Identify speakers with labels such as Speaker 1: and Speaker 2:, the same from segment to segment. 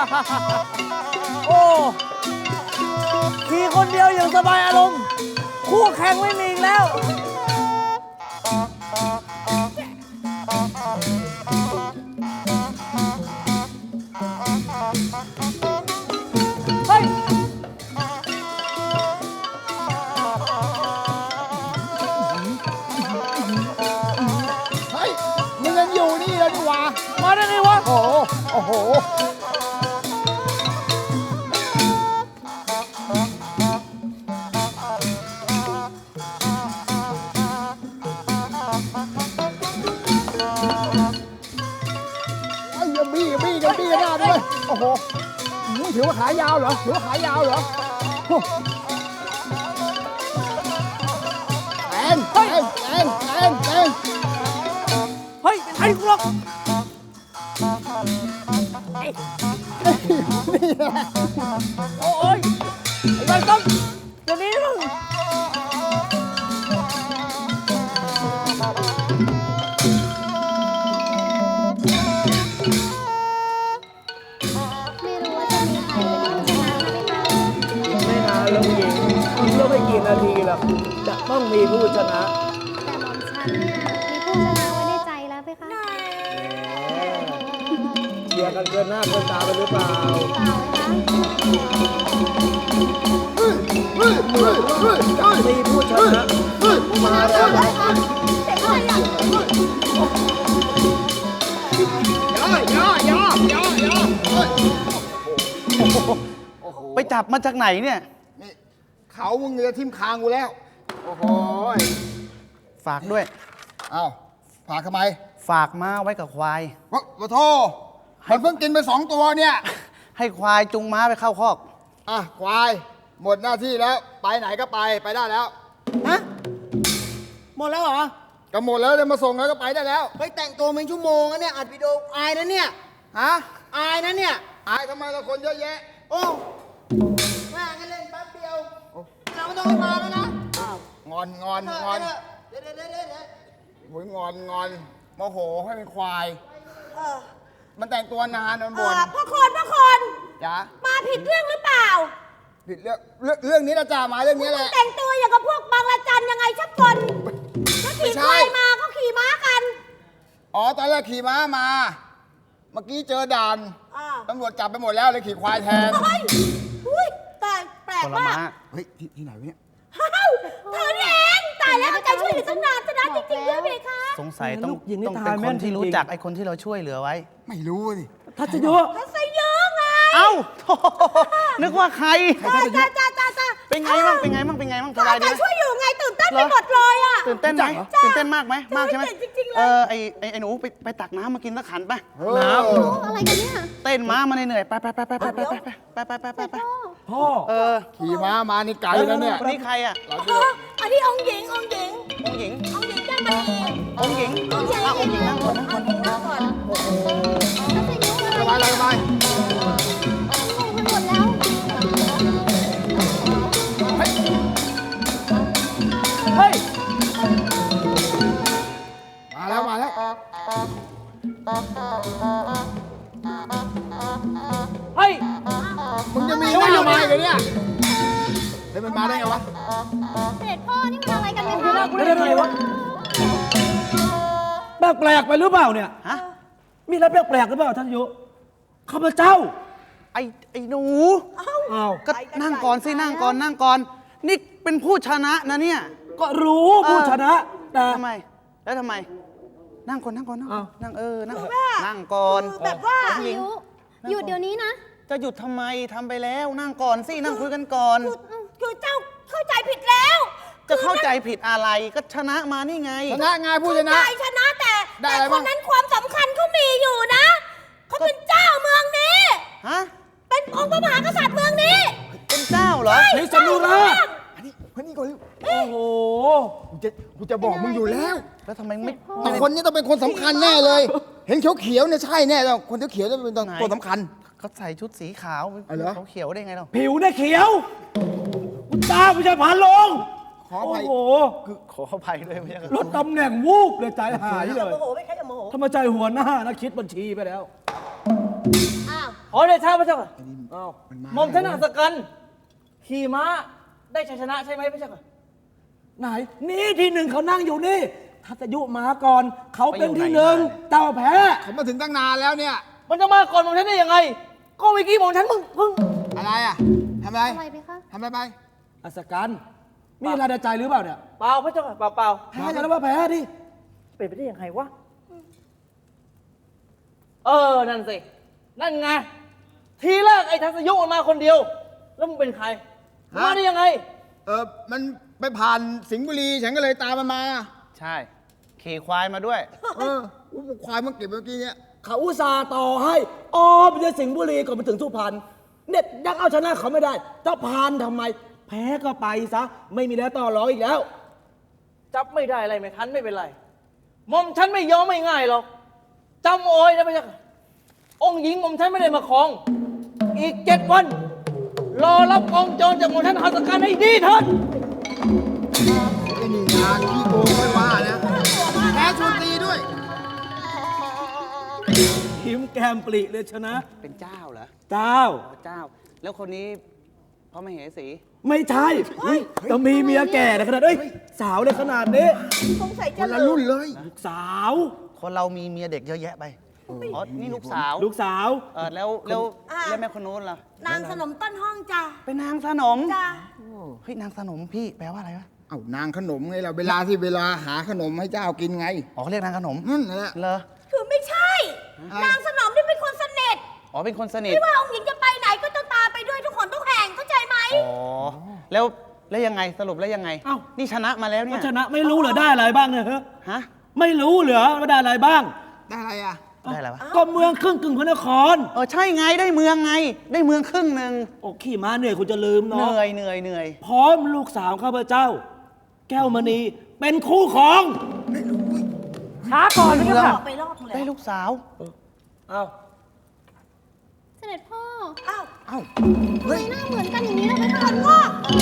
Speaker 1: โอ้ขี่คนเดียวอย่างสบายอารมณ์คู่แข่งไม่มีอีกแล้วเฮ้ย
Speaker 2: มึงยังอยู่นี่เลยนี่หว่า
Speaker 1: มาได้ไงวะ
Speaker 2: โอ้โหโอ้โหบี้กันหน้าด้วยโอ้โหถือว่าขายาวเหรอถือว่าขายาวเหรอแอนเ
Speaker 1: ฮ้ยไอ้กูหรอกโอ้ยไอ้ใบต้องเดี๋ยวนี้มึงแล้วผู้หญิงเมื่อไม่กี่นาทีแล้วจะต้องมีผู้ชนะ
Speaker 3: แต่หม่อมฉันเนี่ยมีผู้ชนะไว้ในใจแล้วเพคะ
Speaker 1: เชียร์กันเกินหน้าเกินตาไปหรือเปล่ามีผู้ชนะมาแล้ว
Speaker 4: ไปจับมาจากไหนเนี่ย
Speaker 2: นี่เขามึงจะทิ่มคางกูแล้วโอ้โห
Speaker 4: ฝากด้วย
Speaker 2: อ้าวฝากทำไม
Speaker 4: ฝากม้าไว้กับควาย
Speaker 2: วะโทมันเพิ่งกินไป2 ตัวเนี่ย
Speaker 4: ให้ควายจุงม้าไปเข้าคอก
Speaker 2: ควายหมดหน้าที่แล้วไปไหนก็ไปได้แล้ว
Speaker 1: ฮะหมดแล้วเหรอ
Speaker 2: ก็หมดแล้วเลยมาส่งแล้วก็ไปได้แล้ว
Speaker 1: ไปแต่งตัวเป็นชั่วโมงนะเนี่ยอัดวิดีโออายนะเนี่ยอายนะเนี่ย
Speaker 2: อายทำไมเราคนเยอะแยะ
Speaker 1: โอ้แม่งั้นเล่นแป๊บเดียวเราไม่ต้องไปมาแล้วนะ
Speaker 2: งอนเดี๋ยวโอ้ยงอนโมโหให้เป็นควายมันแต่งตัวนานมันบ่น
Speaker 5: พ่อคน
Speaker 2: จ๋า
Speaker 5: มาผิดเรื่องหรือเปล่า
Speaker 2: ผิดเรื่องนี้นะจ่ามาเรื่องนี้แหละ
Speaker 5: แต่งตัวอย่างกับพวกบางละจันยังไงชักคนเขาขี่ควายมาเขาขี่ม้ากัน
Speaker 2: ตอนแรกขี่ม้ามาเมื่อกี้เจอด่านตำรวจจับไปหมดแล้วเลยขี่ควายแทน
Speaker 5: ตายแปลกมาก
Speaker 2: เฮ้ยที่ไหนวะเนี่ย
Speaker 5: เธอนี่เองตายแล้วเอาใจช่วยเหลือตั้งนานชนะจริงๆด้วยเพคะ
Speaker 4: สงสัยต้องเป็นคนที่รู้จักไอ้คนที่เราช่วยเหลือไว้
Speaker 2: ไม่รู้สิ
Speaker 1: ทัศยุ
Speaker 5: ไง
Speaker 4: เอ้านึกว่าใคร
Speaker 5: จ้า
Speaker 4: เป็นไงบ้างสบายดีไหม
Speaker 5: ช่วยอยู่ไงตื่นเต้นไปหมดเลย
Speaker 4: ตื่นเต้นไหมตื่นเต้นมากไหมมากใช่ไหมไอ้หนูไปตักน้ำมากินสักขันไป
Speaker 3: น้ำอะไรกันเนี่ย
Speaker 4: เต้นม้ามาเหนื่อยไป
Speaker 1: พ่อ
Speaker 2: ขี่ม้ามานี่ไกลแล้วเนี่ย
Speaker 4: คนนี้ใครอ่ะ
Speaker 5: อันนี้องค์หญิงได้มา
Speaker 4: องค์หญิงนั่งก่อน
Speaker 2: โอ้โหสบาย
Speaker 3: หมดแล้ว
Speaker 1: เฮ้ย
Speaker 2: มาแล้ว
Speaker 1: เฮ้ย
Speaker 2: มึงจะมีหน้ามาอีกเนี่ยเฮ้ยมันมาได้ไงวะ
Speaker 3: เสด็จพ่อนี่มันอะไรกันเนี่ย
Speaker 1: คะไม่ได้ไงวะแปลกไปหรือเปล่าเนี่ยมีอะไรแปลกหรือเปล่าท่านยุข้าพเจ้า
Speaker 4: ไอ้หนูก็นั่งก่อนสินั่งก่อนนี่เป็นผู้ชนะนะเนี่ย
Speaker 1: ก็รู้ผู้ชนะแต่
Speaker 4: ทำไมนั่งก่อนนั่งก่อน
Speaker 5: แบบว่า
Speaker 3: หยุดเดี๋ยวนี้นะ
Speaker 4: จะหยุดทำไมทำไปแล้วนั่งก่อนสินั่งคุยกันก่อน
Speaker 5: คือเจ้าเข้าใจผิดแล้ว
Speaker 4: จะเข้าใจผิดอะไรก็ชนะมานี่ไง
Speaker 2: ชนะไงผู้ชนะ
Speaker 5: ชนะแต่คนนั้นความสำคัญเขามีอยู่นะเขาเป็นเจ้าเมืองนี้เป็นองค์พระมหากษัตริย์เมืองนี้
Speaker 4: เป็นเจ้าเหรอ
Speaker 1: เฮ้ยสนุกนะ
Speaker 2: นี่ก่อน
Speaker 1: โอ้โห
Speaker 2: กูจะบอกมึงอยู่แล้ว
Speaker 4: ทำไมไม่
Speaker 2: คนนี้ต้องเป็นคนสำคัญแน่เลยเห็นเขียวเนี่ยใช่แน่แล้วคนเขียวจะเป็นตัวสำคัญ
Speaker 4: เขาใส่ชุดสีขาวเขาเขียวได้ไงเรา
Speaker 1: ผิวเนี่ยเขียวคุณตาผู้ชายผ่านลง
Speaker 2: ขออภัย
Speaker 4: ขออภัยด้วยไม่ใช่
Speaker 1: ลดตำแหน่งวูบเลยใจหายเลยทำไมใจหัวหน้านะคิดบัญชีไปแล้ว
Speaker 5: อ้าว
Speaker 1: ขอเดชะพระเจ้าค่ะอ้าวหม่อมฉันอัศกันขี่ม้าได้ชัยชนะใช่ไหมพระเจ้าค่ะไหนนี่ที่หนึ่งเขานั่งอยู่นี่ทัศยุมาก่อนเขาเป็นที่หนึ่งเจ้าแพ้
Speaker 2: เขามาถึงตั้งนานแล้วเนี่ย
Speaker 1: มันจะมาก่อนหม่อมฉันได้ยังไงก็เมื่อกี้หม่อมฉันเพิ่ง
Speaker 2: อะไรอ่ะทำอะไร
Speaker 3: อะไรไปคะ
Speaker 2: ทำอะไรไป
Speaker 1: อัศกันมีอะไรในใจหรือเปล่าเนี่ยเปล่าพระเจ้าค่ะเปล่าแพ้จะแล้วว่าแพ้ดิเป็นไปได้ยังไงวะนั่นสินั่นไงทีแรกไอ้ทัศยุมันมาคนเดียว แล้วมึงเป็นใครมาได้ยังไง
Speaker 2: มันไปผ่านสิงห์บุรีฉันก็เลยตามมันมา
Speaker 4: ใช่ ขี่ควายมาด้วย
Speaker 2: ควายมันเก็บเมื่อกี้เนี่ย
Speaker 1: เขาอุตส่าห์ต่อให้ไปที่สิงห์บุรีก่อนไปถึงสุพรรณเนี่ยยังเอาชนะเขาไม่ได้จะพานทำไม แพ้ก็ไปซะไม่มีแล้วต่อรองอีกแล้ว จับไม่ได้อะไรไม่ทันไม่เป็นไรหม่อมฉันไม่ยอมไม่ง่ายหรอกจำโอยนะพระเจ้าค่ะองค์หญิงหม่อมฉันไม่ได้มาครอง อีก7 วัน รอรับกองโจรจากหม่อมฉันหัตถการให้ดีเถิด
Speaker 2: ไอ้นี่งานขี้โกงไม่ว่านะแพ้ชวนตีด้วย
Speaker 1: หิมแก้มปลีเลยชนะ
Speaker 4: เป็นเจ้าเหรอ
Speaker 1: เจ้า
Speaker 4: อ๋อเจ้า แล้วคนนี้พระมเหสี
Speaker 1: ไม่ใช่จะมีเมียแก่ในขนาดสาวเลยขนาดนี้
Speaker 5: สงสัย
Speaker 2: ค
Speaker 5: จะ
Speaker 2: นละรุ่นเลย
Speaker 1: ลูกสาว
Speaker 4: คนเรามีเมียเด็กเยอะแยะไป อ๋อ นี่ลูกสาว
Speaker 1: ลูกสาว
Speaker 4: แล้วแม่คนนู้นล่ะ
Speaker 5: นางสนมต้นห้องจ้ะ
Speaker 4: เป็นนางสนม
Speaker 5: จ้ะ
Speaker 4: เฮ้ย นางสนมพี่แปลว่าอะไรวะ
Speaker 2: เอ้านางขนมไงเราเวลาหาขนมให้เจ้ากินไง
Speaker 4: อ๋อเขาเรียกนางขนม
Speaker 2: นั่นแหละ
Speaker 4: เหรอ
Speaker 5: คือไม่ใช่ นางสนมที่เป็นคนสนิท
Speaker 4: อ๋อ เป็นคนสนิท
Speaker 5: ไม่ว่าองค์หญิงจะไปไหนก็ต้องตามไปด้วยทุกคนทุกแห่งเข้าใจไหม
Speaker 4: อ๋อ แล้วยังไงสรุปแล้วยังไง
Speaker 1: เอ้า
Speaker 4: นี่ชนะมาแล้ว
Speaker 1: ก็
Speaker 4: เนี่ย
Speaker 1: ชนะไม่รู้เหรอได้อะไรบ้างเนี่ยฮะ
Speaker 4: ฮะ
Speaker 1: ไม่รู้เหรอว่าได้อะไรบ้าง
Speaker 2: ได้อะไรอ่ะ
Speaker 4: ได้อะไรวะ
Speaker 1: ก็เมืองครึ่งกึ่งพระนคร
Speaker 4: ใช่ไงได้เมืองไง ได้เมืองครึ่งหนึ่ง
Speaker 1: โอ้ขี่ม้าเหนื่อยคุณจะลืม
Speaker 4: เห
Speaker 1: เนาะ
Speaker 4: นื่อย
Speaker 1: พร้อมลูกสาวข้าพเจ้า แก้วมณีเป็นคู่ของช้าก่อน
Speaker 4: เมื
Speaker 1: พี่
Speaker 4: อง
Speaker 1: ค่ะ
Speaker 5: ไปรอบนึง
Speaker 4: ได้
Speaker 5: แล้ว
Speaker 4: ลูกสาว
Speaker 1: เอ้า
Speaker 3: เสด็จพ่อ
Speaker 5: อ้าว
Speaker 2: เอ้า
Speaker 3: ทำไมหน้าเหมือนกันอย่างนี้ล่ะไปคะ
Speaker 5: พ่อ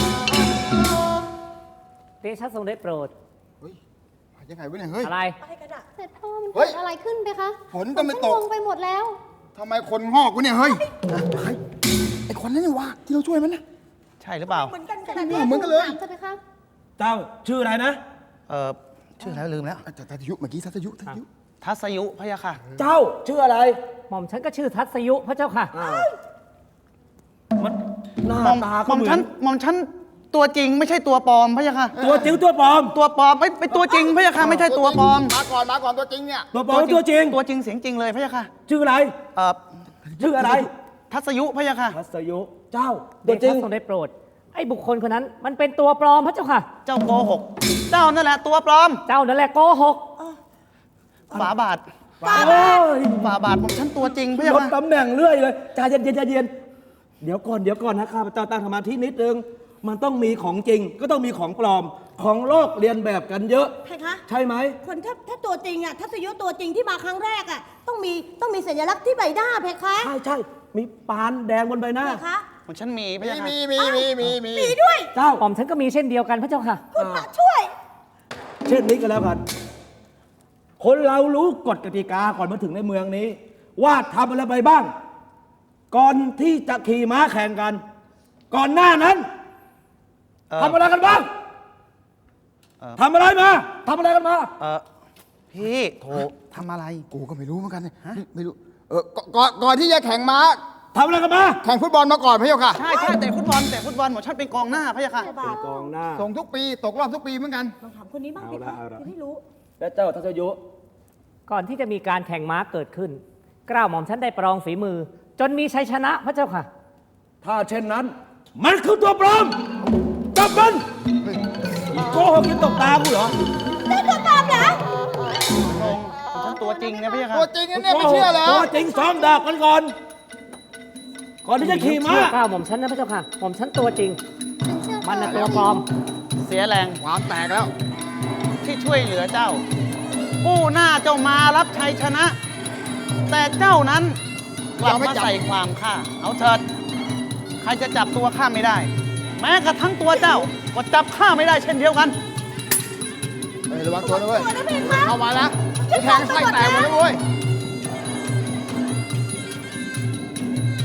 Speaker 6: เดชะทรงได้โปรด
Speaker 2: เฮ้ยยังไงวะเนี่ยเฮ้ย
Speaker 6: อะไร
Speaker 5: ไปกันอะ
Speaker 3: เสด็จพ่อมัน
Speaker 2: เฮ้
Speaker 3: เกิ
Speaker 2: ย
Speaker 3: ดอะไรขึ้นไปคะ
Speaker 2: ฝนก็ไม่ตก
Speaker 3: ฉันงงไปหมดแล้ว
Speaker 2: ทำไมคนงอกวะเนี่ยเฮ้ยไอ้คนนั้นนี่วะที่เราช่วยมันนะ
Speaker 4: ใช่หรือเปล่า
Speaker 5: เหมือนกัน
Speaker 3: เส
Speaker 5: ข
Speaker 3: ด็
Speaker 5: นา
Speaker 3: จ
Speaker 5: ด
Speaker 3: พ่
Speaker 5: นี้
Speaker 3: อ
Speaker 2: เหมือนกันเลย
Speaker 3: ถามจะไปคะ
Speaker 1: เจ้าชื่ออะไรนะ
Speaker 4: ชื่อแล้วลืมแล้ว
Speaker 2: แต่ทัศยุเมื่อกี้ทัศยุ
Speaker 4: ทัศยุพะยะค่ะ
Speaker 1: เจ้าชื่ออะไร
Speaker 6: หม่อมฉันก็ชื่อทัศยุพระเจ้าค่ะ
Speaker 1: มันหน้า
Speaker 4: หม่อม
Speaker 1: ตา
Speaker 4: ห
Speaker 1: ก็
Speaker 4: ม่อม
Speaker 1: เหมื
Speaker 4: ฉั
Speaker 1: อน
Speaker 4: นหม่อมฉันตัวจริงไม่ใช่ตัวปลอมพะยะค่ะ
Speaker 1: ตัวจริงตัวปลอม
Speaker 4: ตัวปลอมไม่ตัวจริงพะยะค่ะไม่ใช่ตัวปลอม
Speaker 2: มาก่อนตัวจริงเนี่ย
Speaker 1: ตัวปลอมตัวจริง
Speaker 4: ตัวจริงเสียงจริงเลยพะยะค่ะ
Speaker 1: ชื่ออะไร ชื่ออะไร
Speaker 4: ทัศยุพะยะค่ะ
Speaker 1: ทัศยุเจ้า
Speaker 6: เด
Speaker 1: ตัวจริ
Speaker 6: ชะ
Speaker 1: ง
Speaker 6: ทรงได้โปรด ไอ้บุคคลคนนั้นมันเป็นตัวปลอมพระเจ้าค่ะ
Speaker 4: เจ้าโกหก เจ้านั่นแหละตัวปลอม
Speaker 6: เจ้านั่นแหละโกหก
Speaker 4: ฝาบาท
Speaker 1: โอ้ย
Speaker 4: ฝาบาทหม่อมฉันตัวจริงพะยะ
Speaker 1: ลด
Speaker 4: ค่ะ
Speaker 1: ตำแหน่งเรื่อยเลยใจเย็นใจเย็นเดี๋ยวก่อนนะข้าพเจ้าตั้งสมาธินิดนึงมันต้องมีของจริงก็ต้องมีของปลอมของโลกเรียนแบบกันเยอะ
Speaker 5: เพคะ
Speaker 1: ใช่ไหม
Speaker 5: คนถ้าตัวจริงอะทัศยุตัวจริงที่มาครั้งแรกอะต้องมีสัญลักษณ์ที่ใบหน้าเพคะ
Speaker 1: ใช่มีปานแดงบนใบหน้า
Speaker 5: เพคะ
Speaker 4: หม่อมฉันมีพะยะค่ะ
Speaker 2: มี
Speaker 5: มีด้วย
Speaker 1: เจ้า
Speaker 6: หม่อมฉันก็มีเช่นเดียวกันพระเจ้าค่ะ
Speaker 5: คุณพระช่วย
Speaker 1: เช่นนี้ก็แล้วกัน คนเรารู้กฎกติกาก่อนมาถึงในเมืองนี้ ว่าทำอะไรไปบ้าง ก่อนที่จะขี่ม้าแข่งกัน ก่อนหน้านั้นทำอะไรกันบ้างทำอะไรมาทำอะไรกันมา
Speaker 4: พี่โถทำอะไร
Speaker 2: กูก็ไม่รู้เหมือนกันเนี่ยไม่รู้ก่อนที่จะแข่งม้า
Speaker 1: ทำอะไรกันมา
Speaker 2: แข่งฟุตบอลมาก่อนพี่เจ้าค่ะ
Speaker 4: ใช่แต่ฟุตบอลหม่อมฉันเป็นกองหน้าพะยะค่ะ
Speaker 1: กองหน้า
Speaker 2: ส่งทุกปีตกรอบทุกปีเหมือนกัน
Speaker 5: ลองถามคนนี้บ้างเพ
Speaker 1: เอาละ
Speaker 5: คะ
Speaker 1: เอาละ
Speaker 5: จะได้รู้
Speaker 1: และเจ้าทัศยุ
Speaker 6: ก่อนที่จะมีการแข่งม้าเกิดขึ้นเกล้าหม่อมฉันได้ประลองฝีมือ จนมีชัยชนะพระเจ้าค่ะ
Speaker 1: ถ้าเช่นนั้น มันคือตัวปลอมจับมันโกหกกินตกตากูเหรอ
Speaker 5: ได้ตัวปลอมเหรอ
Speaker 4: หม่อมฉันตัวจริงนะพะยะค่ะ
Speaker 2: ตัวจริงนะเนี่ยไม่เชื่อเหรอ
Speaker 1: ตัวจริงซ้อมดาบกันก่อน ก่อนที่จะขี่ม้า
Speaker 6: เชื่อเกล้าหม่อมฉันนะพระเจ้าค่ะ หม่อมฉันตัวจริง
Speaker 3: ฉันเชื่อ
Speaker 6: มันน่ะ
Speaker 3: เธ
Speaker 6: ตัว
Speaker 3: อ
Speaker 6: ปลอม
Speaker 4: เสียแรง
Speaker 2: ความแตกแล้ว
Speaker 4: ที่ช่วยเหลือเจ้า ผู้หน้าเจ้ามารับชัยชนะ แต่เจ้านั้นกลับมาใส่ความข้าเอาเถิด ใครจะจับตัวข้าไม่ได้ แม้กระทั่งตัวเจ้าก็จับข้าไม่ได้เช่นเดียวกัน
Speaker 2: เฮ้ยระวังตัวนะเว้ย
Speaker 5: ตัวนะเพคะ
Speaker 2: เข้ามาแล้วแทงไส้แตกหมดแล้วเว้ย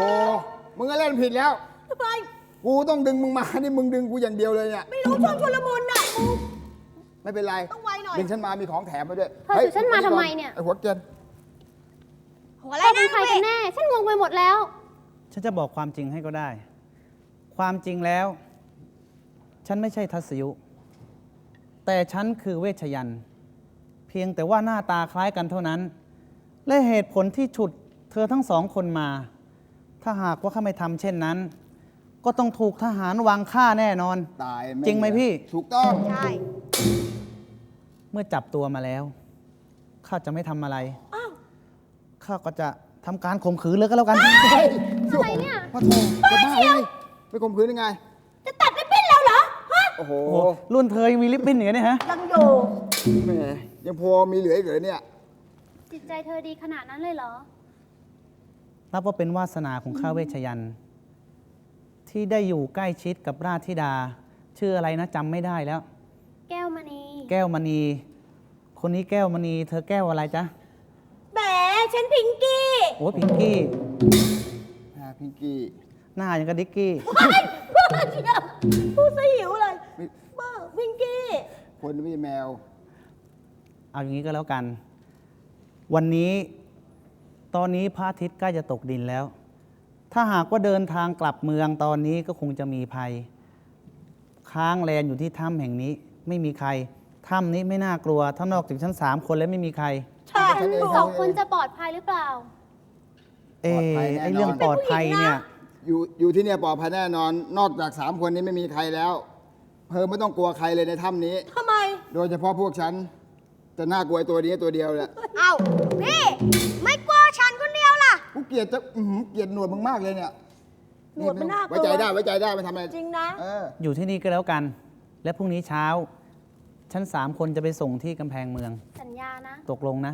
Speaker 2: มึงก็เล่นผิดแล้ว
Speaker 5: ทำไม
Speaker 2: กูต้องดึงมึงมา นี่มึงดึงกูอย่างเดียวเลยเนี่ย
Speaker 5: ไม่รู้ช่วงชุลมุนน่ะกู
Speaker 2: ไม่เป็นไร
Speaker 5: ต้องไวหน่อย
Speaker 2: ดึงฉันมามีของแถมมาด้วย
Speaker 3: เธอถือฉันมาทำไมเนี่ย
Speaker 2: ไอ้หัวเกรียน
Speaker 5: หัวอะไร
Speaker 3: เธอเป็
Speaker 5: นะ
Speaker 3: นใครกันแน่ ฉันงงไปหมดแล้ว
Speaker 4: ฉันจะบอกความจริงให้ก็ได้ ความจริงแล้ว ฉันไม่ใช่ทัศยุ แต่ฉันคือเวชยันต์เพียงแต่ว่าหน้าตาคล้ายกันเท่านั้น และเหตุผลที่ฉุดเธอทั้งสองคนมา ถ้าหากว่าข้าไม่ทำเช่นนั้น ก็ต้องถูกทหารวางฆ่าแน่นอน
Speaker 2: ตาย
Speaker 4: จริงไหมพี่
Speaker 2: ถูกต้อง
Speaker 5: ใช่
Speaker 4: เมื่อจับตัวมาแล้ว ข้าจะไม่ทำอะไร
Speaker 5: อ้าว
Speaker 4: ข้าก็จะทำการข่มขืนเลยก็แล้วกัน
Speaker 3: อะไรเนี่ย
Speaker 2: พ่อโถจะบ้าเลยไปข่มขืนยังไง
Speaker 5: จะตัดริบบิ้นแล้วเหรอ ฮะ
Speaker 2: โอ้โห
Speaker 4: โอ้โหรุ่นเธอยังมีลิปบิ้นอย่างนี้เนี่ยฮะ
Speaker 5: ยังอยู่
Speaker 2: แหมยังพอมีเหลืออีกเหรอเนี่ย
Speaker 3: จิตใจเธอดีขนาดนั้นเลยเหรอ
Speaker 4: นับว่าเป็นวาสนาของข้าเวชยันต์ที่ได้อยู่ใกล้ชิดกับราชธิดา ชื่ออะไรนะจำไม่ได้แล้ว
Speaker 3: แก้วมณี
Speaker 4: แก้วมณี คนนี้แก้วมณี เธอแก้วอะไรจ๊ะ
Speaker 5: แหมฉันพิงกี้
Speaker 4: โอ้พิงกี้
Speaker 2: พิงกี้
Speaker 4: หน้าอย่างกับดิกกี้
Speaker 5: เฮ้ยบ้าเชียวพูดซะหิวเลย
Speaker 2: ไม่
Speaker 5: บ้าพิงกี้
Speaker 2: คนไม่ใช่แมว
Speaker 4: เอาอย่างนี้ก็แล้วกัน วันนี้ตอนนี้พระอาทิตย์ใกล้จะตกดินแล้ว ถ้าหากว่าเดินทางกลับเมืองตอนนี้ก็คงจะมีภัย ค้างแรนอยู่ที่ถ้ำแห่งนี้ ไม่มีใคร ถ้ำนี้ไม่น่ากลัว ถ้านอกจากชั้น3 คนแล้วไม่มีใคร
Speaker 5: ใช่
Speaker 2: ฉันเอง
Speaker 3: สองคนจะปลอดภัยหรือเปล่า
Speaker 4: เอ
Speaker 2: ปลอดภัยแน่นอน
Speaker 4: ไอเรื่องปลอดภัยเนี่ย
Speaker 2: อยู่ที่เนี่ยปลอดภัยแน่นอน นอกจาก3 คนนี้ไม่มีใครแล้ว เพิ่มไม่ต้องกลัวใครเลยในถ้ำนี้
Speaker 5: ทำไม
Speaker 2: โดยเฉพาะพวกฉัน จะน่ากลัวไอ้ตัวนี้ตัวเดียวแหละ
Speaker 5: เอ้าพี่ ไม่กลัวฉันคนเดียวล่ะ
Speaker 2: กูเกลียดจะเกลียดหนวดมึงมากเลยเนี่ย
Speaker 5: หนวดมันน่ากลัว
Speaker 2: ไว้ใจได้ไว้ใจได้ไม่ทำอะไร
Speaker 5: จริงนะ
Speaker 2: เออ
Speaker 4: อยู่ที่นี่ก็แล้วกัน และพรุ่งนี้เช้า ชั้น3 คนจะไปส่งที่กำแพงเมือง
Speaker 3: สัญญานะ
Speaker 4: ตกลงนะ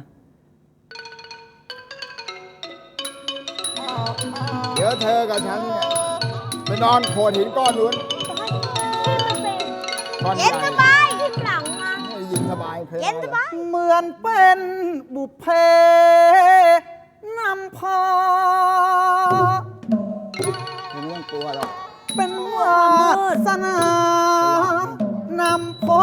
Speaker 2: เดี๋ยวเธอกับฉันเนี่ยไปนอนโขดหินก้อนนู้นก้อนให
Speaker 5: เย็น
Speaker 2: ญ่
Speaker 5: สบายที่หลังมา
Speaker 2: ให้ยินสบายเพลิน
Speaker 5: เย็นสบาย
Speaker 4: เหมือนเป็นบุพเพนำพา
Speaker 2: ไม่ต้องกลัวหรอก
Speaker 4: เป็นวาสนานำพบ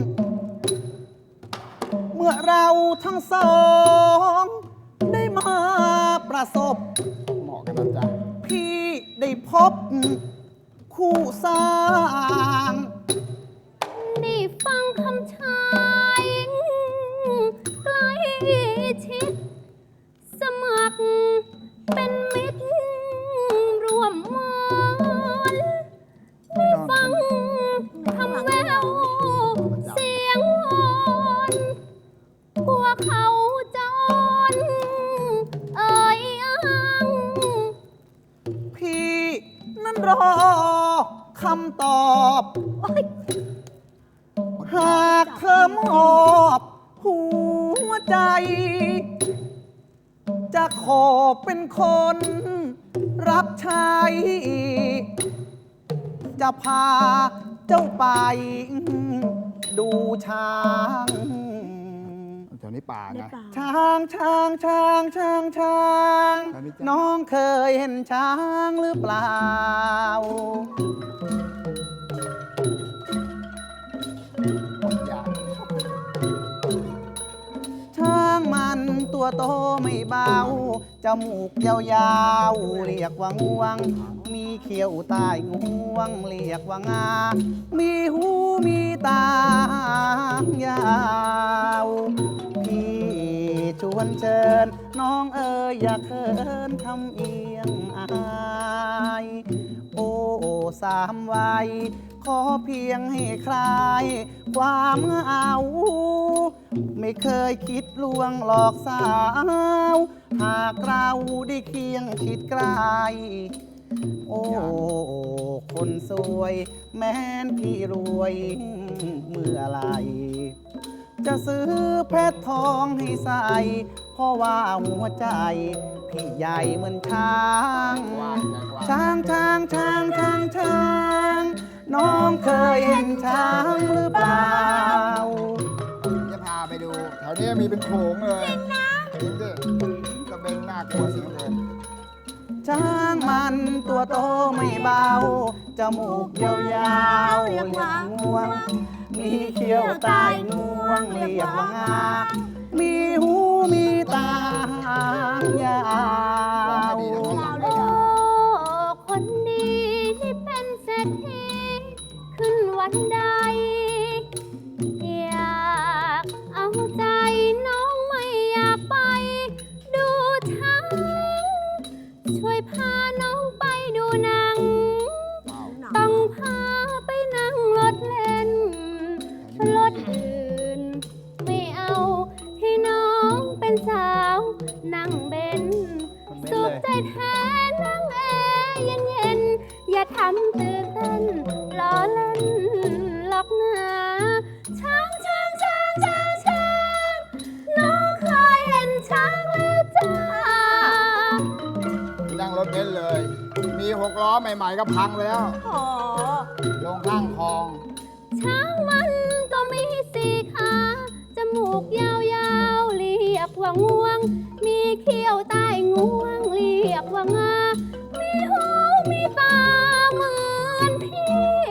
Speaker 4: เมื่อเราทั้งสองได้มาประสบ
Speaker 2: เหมาะกันนะจ๊ะ
Speaker 4: พี่ได้พบ คู่สร้าง
Speaker 3: ได้ฟังคำชายใกล้ชิด สมัครเป็นมิตรร่วมมอนได้ฟังคำแววเสียงวอนกลัวเขาจะอ่อนเอ่ยอ้าง
Speaker 4: พี่นั้นรอคำตอบ หากเธอมอบหัวใจ จะขอเป็นคนรับใช้ จะพาเจ้าไป ดูช้าง
Speaker 2: แถวนี้ป่าไง
Speaker 4: ช้างช้างช้างช้างช้าง
Speaker 2: อันนี้จ้ะ
Speaker 4: น้องเคยเห็นช้างหรือเปล่า
Speaker 2: อย่า
Speaker 4: ช้างมันตัวโตไม่เบา จมูกยาวๆ เรียกว่างวง มีเขียวใต้งวง เรียกว่างา มีหูมีตายาว พี่ชวนเชิญ น้องเอ๋ยอย่าเขินทำเอียงอาย โอ้สามวัย ขอเพียงให้คลาย ความเหงา ไม่เคยคิดลวงหลอกสาว หากเราได้เคียงคิดใกล้ โอ้ คนสวย แม้นพี่รวยเมื่อไหรจะซื้อเพชรทองให้ใส่ เพราะว่าหัวใจ พี่ใหญ่เหมือนช้าง ช้างช้างช้างช้างช้าง น้องเคยเห็นช้างหรือเปล่า
Speaker 2: จะพาไปดู แถวนี้มีเป็นโขงเลยจริงนะจริงดิกระเบนน่ากลัวสิงเลย
Speaker 4: ช้างมันตัวโตไม่เบา จมูกยาวๆเรียกว่างวง มีเขี้ยวใต้งวงเรียกว่างา มีหูมีตาหางยาว
Speaker 3: โอ้คนดีที่เป็นเศรษฐีขึ้นวันใด อยากเอาใจน้องไม่อยากไป ดูช้างช่วยพาน้องไปดูหนัง ต้องพาไปนั่งรถเล่น รถอื่นไม่เอาให้น้องเป็นสาวนั่งเบนสุขใจแท้นั่งแอร์เย็นๆอย่าทำตื่นเต้นล้อเล่นหลอกหนาช้างช้างช้างช้างช้างน้องเคยเห็นช้างแล้วจ้า
Speaker 2: นั่งรถเบนซ์เลย มี6 ล้อใหม่ๆก็พังไปแล้ว
Speaker 5: โอ้
Speaker 2: ลงข้างคลอง
Speaker 3: ช้างมันก็มีสี่ขาจมูกยาวๆเรียกว่างวง มีเขี้ยวใต้งวงเรียกว่างา มีหูมีตาเหมือนพี่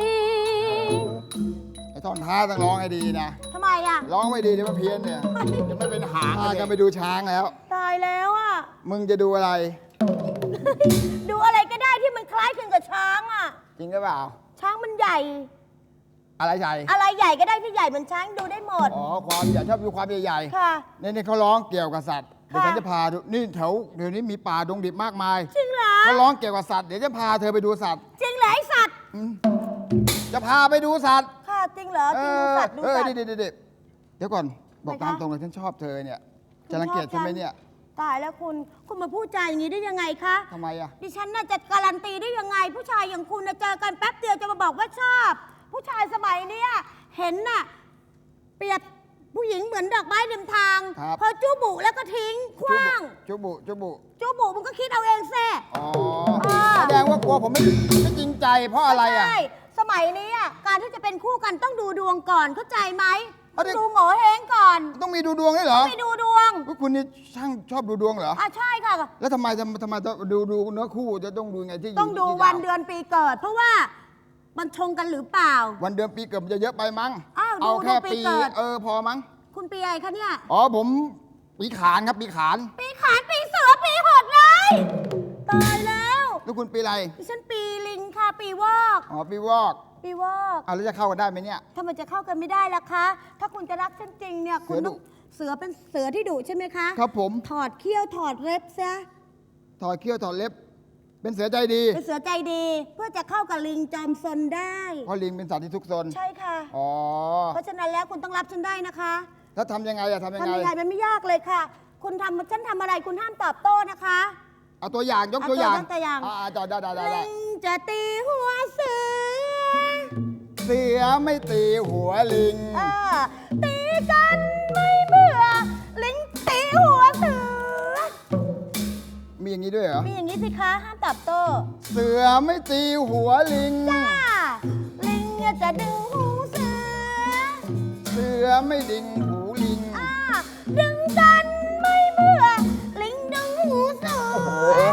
Speaker 2: ไอ้ท่อนท้าต้องร้องให้ดีนะ
Speaker 5: ทำไมอ่ะ
Speaker 2: ร้องไม่ดีเดี๋ยวมันเพี้ยนเนี่ย จะไม่เป็นหางกันไปดูช้างแล้ว
Speaker 5: ตายแล้วอ่ะ
Speaker 2: มึงจะดูอะไร
Speaker 5: ดูอะไรก็ได้ที่มันคล้ายคลึงกับช้างอ่ะ
Speaker 2: จริงหรือเปล่า
Speaker 5: ช้างมันใหญ่
Speaker 2: อะไรใหญ่
Speaker 5: อะไรใหญ่ก็ได้ที่ใหญ่เหมือนช้างดูได้หมด
Speaker 2: อ๋อ ความใหญ่ชอบดูความใหญ่
Speaker 5: ค่ะ
Speaker 2: ๆนี่เขาร้องเกี่ยวกับสัตว์ เดี๋ยว
Speaker 5: ค่ะ
Speaker 2: ฉันจะพาดู นี่แถวเดี๋ยวนี้มีป่าดงดิบมากมาย
Speaker 5: จริงเหรอ
Speaker 2: เขาร้องเกี่ยวกับสัตว์ เดี๋ยวจะพาเธอไปดูสัตว์
Speaker 5: จริงเหรอไอสัตว์
Speaker 2: จะพาไปดูสัตว์
Speaker 5: ค่ะจริงเหรอจริงดูสัตว์ดูสัตว์
Speaker 2: เดี๋ยวก่อน บอก
Speaker 5: ทำไมคะ
Speaker 2: ตามตรงเลยฉันชอบเธอเนี่ย จะรังเกียจฉันไหมเนี่ย
Speaker 5: ตายแล้วคุณมาพูดจาอย่างนี้ได้ยังไงคะ
Speaker 2: ทำไมอะ
Speaker 5: ดิฉันน่าจะการันตีได้ยังไง ผู้ชายอย่างคุณน่ะเจอกันแป๊บเดียวจะมาบอกว่าชอบ ผู้ชายสมัยเนี้ยเห็นน่ะเปรียบผู้หญิงเหมือนดอกไม้ริมทาง
Speaker 2: ครับ
Speaker 5: พอจูบุแล้วก็ทิ้งขว้าง
Speaker 2: จุบุ
Speaker 5: จูบุมันก็คิดเอาเองแซ่
Speaker 2: อ๋อ
Speaker 5: อ่า
Speaker 2: แสดงว่ากลัวผมไม่จริงใจเพราะอะไรอะ
Speaker 5: ใช่สมัยนี้อ่ะการที่จะเป็นคู่กันต้องดูดวงก่อนเข้าใจไหม
Speaker 2: เอาดิ
Speaker 5: ดูโง่เฮงก่อน
Speaker 2: ต้องมีดูดวงด้วยเหรอ
Speaker 5: ไปดูดวง
Speaker 2: พวกคุณนี่ช่างชอบดูดวงเหรอ
Speaker 5: อ่ะใช่ค่ะ
Speaker 2: แล้วทำไมต้องดูเนื้อคู่จะต้องดูไงที่
Speaker 5: ต้องดู
Speaker 2: ที่
Speaker 5: วัน
Speaker 2: ดาว
Speaker 5: เดือนปีเกิด เพราะว่ามันชงกันหรือเปล่า
Speaker 2: วันเดือนปีเกิดมันจะเยอะไปมั้ง
Speaker 5: อ้าวดู
Speaker 2: เอาแค่
Speaker 5: ดูปี
Speaker 2: ปี
Speaker 5: เกิด
Speaker 2: พอมั้ง
Speaker 5: คุณปีอะไรคะเนี่ย
Speaker 2: อ๋อผมปีขานครับปีขาน
Speaker 5: ปีขานปีเสือปีหดเลยตายแล้ว
Speaker 2: แล้วคุณปีอะไร
Speaker 5: ดิฉันปีลิงค่ะปีวอก
Speaker 2: อ๋อปีวอก
Speaker 5: ปีวอก
Speaker 2: เอาแล้วจะเข้ากันได้ไหมเนี่ย
Speaker 5: ถ้ามันจะเข้ากันไม่ได้ล่ะคะ ถ้าคุณจะรักฉันจริงเนี่ยคุณต้องเสือเป็นเสือที่ดุใช่ไหมคะ
Speaker 2: ครับผม
Speaker 5: ถอดเขี้ยวถอดเล็บซะ
Speaker 2: ถอดเขี้ยวถอดเล็บ เป็นเสือใจดี
Speaker 5: เป็นเสือใจดี เพื่อจะเข้ากับลิงจอมซนได้
Speaker 2: เพราะลิงเป็นสัตว์ที่ทุกซน
Speaker 5: ใช่ค่ะ
Speaker 2: อ๋อ
Speaker 5: เพราะฉะนั้นแล้วคุณต้องรับฉันได้นะคะ
Speaker 2: แล้วทำยังไงอะทำยัง
Speaker 5: ทำ
Speaker 2: ไง
Speaker 5: ยังไงมันไม่ยากเลยค่ะ คุณทำฉันทำอะไรคุณห้ามตอบโต้นะคะ
Speaker 2: เอาตัวอย่างยก
Speaker 5: เอา
Speaker 2: ตัวอย่าง
Speaker 5: ตัวอย่าง
Speaker 2: จอได้
Speaker 5: ลิงจะตีหัวเสือ
Speaker 2: เสือไม่ตีหัวลิง
Speaker 5: ตีกันไม่เบื่อ ลิงตีหัวเสือ
Speaker 2: มีอย่างนี้ด้วยเหรอ
Speaker 5: มีอย่างนี้สิคะห้ามตอบโต้
Speaker 2: เสือไม่ตีหัวลิง
Speaker 5: จ้าลิงจะดึงหูเสือ
Speaker 2: เสือไม่ดิ่งหูลิง
Speaker 5: ดึงกันไม่เบื่อ ลิงดึงหูเสือ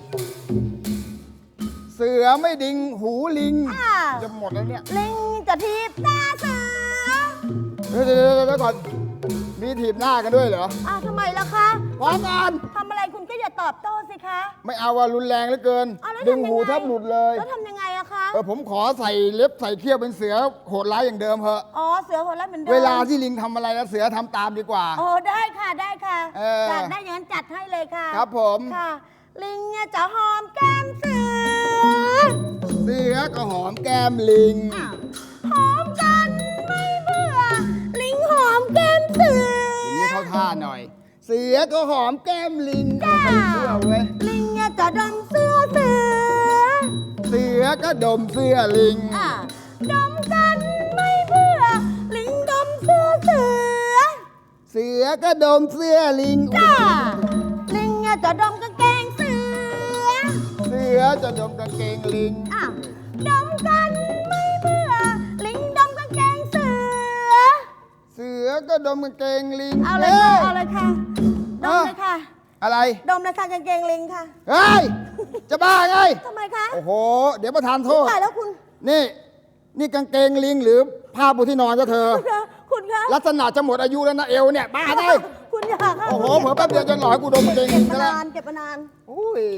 Speaker 2: เสือไม่ดิ่งหูลิง
Speaker 5: อ่า
Speaker 2: จะหมดแล้วเนี่ย
Speaker 5: ลิงจะทีบตาเสือ
Speaker 2: เดี๋ยวก่อน มีถีบหน้ากันด้วยเหรอ
Speaker 5: ทำไมล่ะคะ
Speaker 2: พร้อมกัน
Speaker 5: ทำอะไรคุณก็อย่าตอบโต้สิคะ
Speaker 2: ไม่เอาว่ารุนแรงเหลือเกิน
Speaker 5: แล้ว
Speaker 2: ดึง
Speaker 5: ทำยั
Speaker 2: หู
Speaker 5: ไ
Speaker 2: แทบหลุดเลย
Speaker 5: แล้วทำยังไงอะคะ
Speaker 2: ผมขอใส่เล็บใส่เขี้ยวเป็นเสือโหดร้ายอย่างเดิมเถอะ
Speaker 5: อ๋อ เสือหัวเราะเหมือนเดิม
Speaker 2: เวลาที่ลิงทำอะไรแล้วเสือทำตามดีกว่า
Speaker 5: โอ้ได้ค่ะได้ค่ะ
Speaker 2: เออ
Speaker 5: อยากได้อย่างนั้นจัดให้เลยค่ะ
Speaker 2: ครับผม
Speaker 5: ค่ะ ลิงเนี่ยจะหอมแก้มเสือ
Speaker 2: เสือก็หอมแก้มลิง
Speaker 5: หอมกันไม่เบื่อ ลิงหอมแก้มเสือ
Speaker 2: อย่างนี้เข้าท่าหน่อย เสือก็หอมแก้มลิง
Speaker 5: จ้า
Speaker 2: ไม่เชื่อเว้ย
Speaker 5: ลิงเนี่ยจะดมเสื้อเสือ
Speaker 2: เสือก็ดมเสื้อลิง
Speaker 5: ดมกันไม่เบื่อ ลิงดมเสื้อเสือ
Speaker 2: เสือก็ดมเสื้อลิง
Speaker 5: จ้าลิงเนี่ยจะดมกางเกงเสือ
Speaker 2: เสือจะดมกางเกงลิง
Speaker 5: ดมกันไม่เบื่อ ลิงดมกางเกงเสือ
Speaker 2: เสือก็ดมกางเกงลิง
Speaker 5: เอาเลยค่ะ เอาเลยค่ะ ดมเลยค่ะ
Speaker 2: อะไร
Speaker 5: ดมราคากางเกงลิงค่ะ
Speaker 2: เฮ้ย จะบ้าไง
Speaker 5: ทำไมคะ
Speaker 2: โอ้โห เดี๋ยวประธานโทษ
Speaker 5: ตายแล้วคุณ
Speaker 2: นี่กางเกงลิงหรือผ้าปูที่นอนก็เธอ
Speaker 5: คุณคะ
Speaker 2: ลักษณะจะหมดอายุแล้วนะเอวเนี่ย บ้าได้
Speaker 5: คุณอยาก
Speaker 2: โอ้โห เผื่อแป๊บเดียวจะหล่อให้กูดมกางเกง
Speaker 5: เก็
Speaker 2: ลิ
Speaker 5: บ
Speaker 2: ง
Speaker 5: มา
Speaker 2: ซะแล้ว
Speaker 5: นานเก็บมานาน
Speaker 2: อุ้ย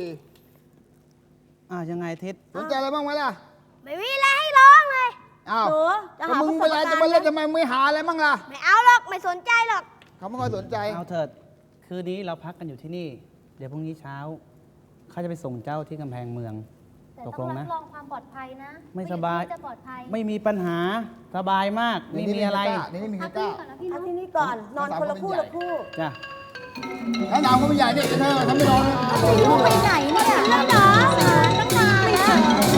Speaker 4: ยังไงทิศ
Speaker 2: สนใจอะไรบ้างไหมล่ะ
Speaker 3: ไม่มีอะไรให้ร้องเลย
Speaker 2: อ้าว
Speaker 5: หนูจะ
Speaker 2: ก็
Speaker 5: หา
Speaker 2: มึง
Speaker 5: ประ
Speaker 2: เว
Speaker 5: สบ
Speaker 2: ลา
Speaker 5: การ
Speaker 2: จะ
Speaker 5: ณ์
Speaker 2: มาเล่น
Speaker 5: ไหม
Speaker 2: ทำไมไม่หาอะไรบ้างล่ะ
Speaker 3: ไม่เอาหรอก ไม่สนใจหรอก
Speaker 2: เขาไม่ค่อยสนใจ
Speaker 4: เอาเถิด คืนนี้เราพักกันอยู่ที่นี่ เดี๋ยวพรุ่งนี้เช้าเขาจะไปส่งเจ้าที่กำแพงเมือง
Speaker 3: แต่
Speaker 4: ต
Speaker 3: ต้
Speaker 4: ก
Speaker 3: อง
Speaker 4: ลง
Speaker 3: รั
Speaker 4: นะ
Speaker 3: บรองความปลอดภัยนะ
Speaker 4: ไม่สบาย
Speaker 3: งั้นจะปลอดภัย
Speaker 4: ไม่มีปัญหาสบายมาก ไม่มีอะไร
Speaker 2: นี่ไม่มีใคร
Speaker 3: พัก
Speaker 2: ก
Speaker 3: ที่
Speaker 2: ล้า
Speaker 3: นี่ก่อนนะพี่
Speaker 5: เอา
Speaker 3: เนาะ
Speaker 5: ที่นี่ก่อน นอนคนละคู่ละคู่
Speaker 4: จ้ะ
Speaker 2: ถ้าดาวก็ไม่ใหญ่เนี่ยเธอทำไม่นอน
Speaker 5: ลูกไปไหนเนี่ยแล้วเหรอตั้งนานแล้ว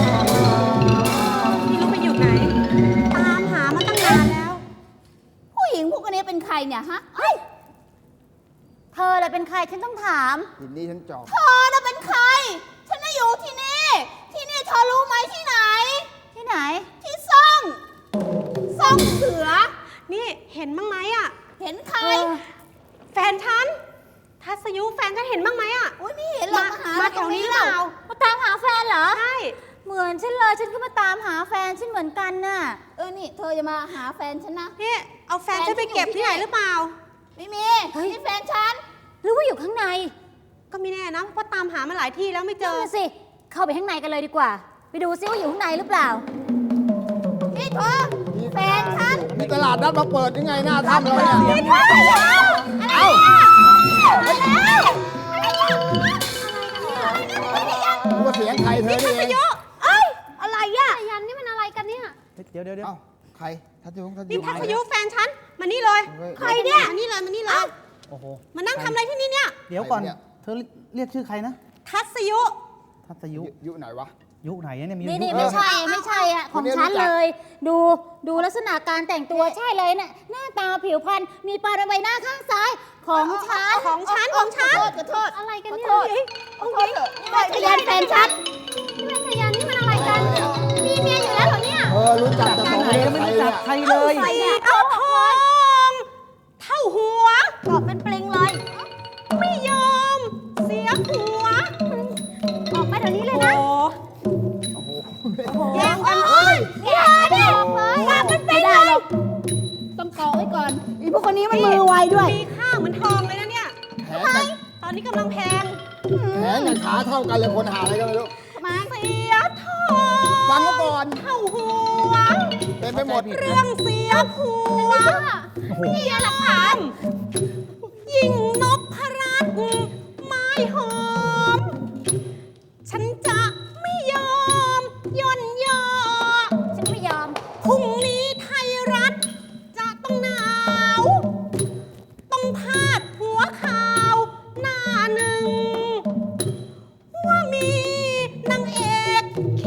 Speaker 5: พี่ลูกไปอยู่ไหน ตามหามาตั้งนานแล้ว
Speaker 3: ผู้หญิงพวกนี้เป็นใครเนี่ยฮะเฮ้ยเธอเลยเป็นใครฉันต้องถาม
Speaker 2: ทีนี้ฉันจอบ
Speaker 3: เธอน่ะเป็นใคร ฉันน่ะอยู่ที่นี่ ที่นี่เธอรู้ไหมที่ไหน ที่ไหน ที่ซ่องเสือ
Speaker 5: นี่เห็นบ้างไหมอ่ะ
Speaker 3: เห็นใคร
Speaker 5: แฟนฉัน ทัศยุแฟนฉันเห็นบ้างไหมอ่ะ
Speaker 3: อุ้ยไม่เห็นหรอก
Speaker 5: มาแถวนี้เปล่า
Speaker 3: มาตามหาแฟนเหรอ
Speaker 5: ใช่
Speaker 3: เหมือนฉันเลย ฉันก็มาตามหาแฟนฉันเหมือนกันน่ะ นี่เธอจะมาหาแฟนฉันนะ
Speaker 5: พี่เอาแฟนฉันไปเก็บที่ไหนหรือเปล่า
Speaker 3: ไม่มีนี่แฟนฉัน หรือว่าอยู่ข้างใน
Speaker 5: ก็ไม่แน่นะเพราะตามหามาหลายที่แล้วไม่เจ
Speaker 3: เจ
Speaker 5: อ
Speaker 3: อสิ เข้าไปข้างในกันเลยดีกว่า ไปดูซิว่าอยู่ข้างในหรือเปล่า นี่เธอแฟนฉัน
Speaker 2: มีตลาดนัดมาเปิดยังไงหน้าถ้ำเราเนี่ย
Speaker 3: นี่เธอเดี๋ยวอะไรเนี่ยอะไรเนี่ย
Speaker 2: รู้ว่าเสียงใครเธอนี่เอง
Speaker 3: เอ้ย อะไรอ่ะยันนี่มันอะไรกันเนี่ย
Speaker 4: เดี๋ยว
Speaker 2: เอ้าใครทัศยุทัศ
Speaker 5: นี่
Speaker 2: ยุ
Speaker 5: ทัศยุแฟนฉัน มานี่เลย
Speaker 3: ใครเนี่ย
Speaker 5: มานี่เลย มานี่เลย
Speaker 4: โอ้โห
Speaker 5: มานั่งทำอะไรที่นี่เนี่ย
Speaker 4: เดี๋ยวก่อน เธอเรียกชื่อใครนะ
Speaker 5: ทัศยุ
Speaker 4: ทัศยุ
Speaker 2: ยุไหนวะ
Speaker 4: ยุไหนเนี่ยมี
Speaker 3: นี่
Speaker 4: ยุ
Speaker 3: นี่
Speaker 4: เย
Speaker 3: ไม่
Speaker 4: อะ
Speaker 3: ใช่ไม่ใช่อะของฉันเลย ดูลักษณะการแต่งตัวใช่เลยน่ะหน้าตาผิวพรรณมีปลายใบหน้าข้างซ้ายของฉัน
Speaker 5: ของฉัน
Speaker 3: ขอโทษอะไรกันเนี่ยขอโทษเถอะนี่เป็นพยานแฟนฉันนี่เป็นพยานนี่มันอะไรกันมีเมียอยู่แล้วเหรอเนี่ย
Speaker 2: รู้จักแต่
Speaker 4: ที่
Speaker 2: สอง
Speaker 4: ไหน
Speaker 2: คน
Speaker 4: ก็ไม่รู้จักใครเลย
Speaker 3: ใครเนี่ย
Speaker 5: เอาทองเท่าหัว
Speaker 3: กรอบเป็นปลิงเลย
Speaker 5: ไม่ยอม เสียหัว
Speaker 3: ออกไปเดี๋ยวนี้เลยนะ
Speaker 5: แย่งกัน
Speaker 3: อย่าดิมาเป็นไปได้หรอกต้องเกาะไว้ก่อนอีพวกคนนี้มันมือไวด้วย
Speaker 5: มีค่าเหมือนทองเลยนะเนี่ย
Speaker 2: แขน
Speaker 5: ตอนนี้กำลังแพง
Speaker 2: กับขาเท่ากันเลยคนหาอะไรก็ไม่รู้
Speaker 3: ทำไม
Speaker 5: เสียทอง
Speaker 2: ฟังเขาก่อน
Speaker 5: เท่าหัว
Speaker 2: เต็มไปหมด
Speaker 5: เรื่องเสียผัว
Speaker 3: นี่หลักฐาน
Speaker 5: ยิ่งนพรัตน์ไม้หอม ฉันจะไม่ยอมย่อนย่อ
Speaker 3: ฉันไม่ยอม
Speaker 5: พรุ่งนี้ไทยรัฐจะต้องหนาว ต้องพาดหัวข่าวหน้าหนึ่ง ว่ามีนางเอก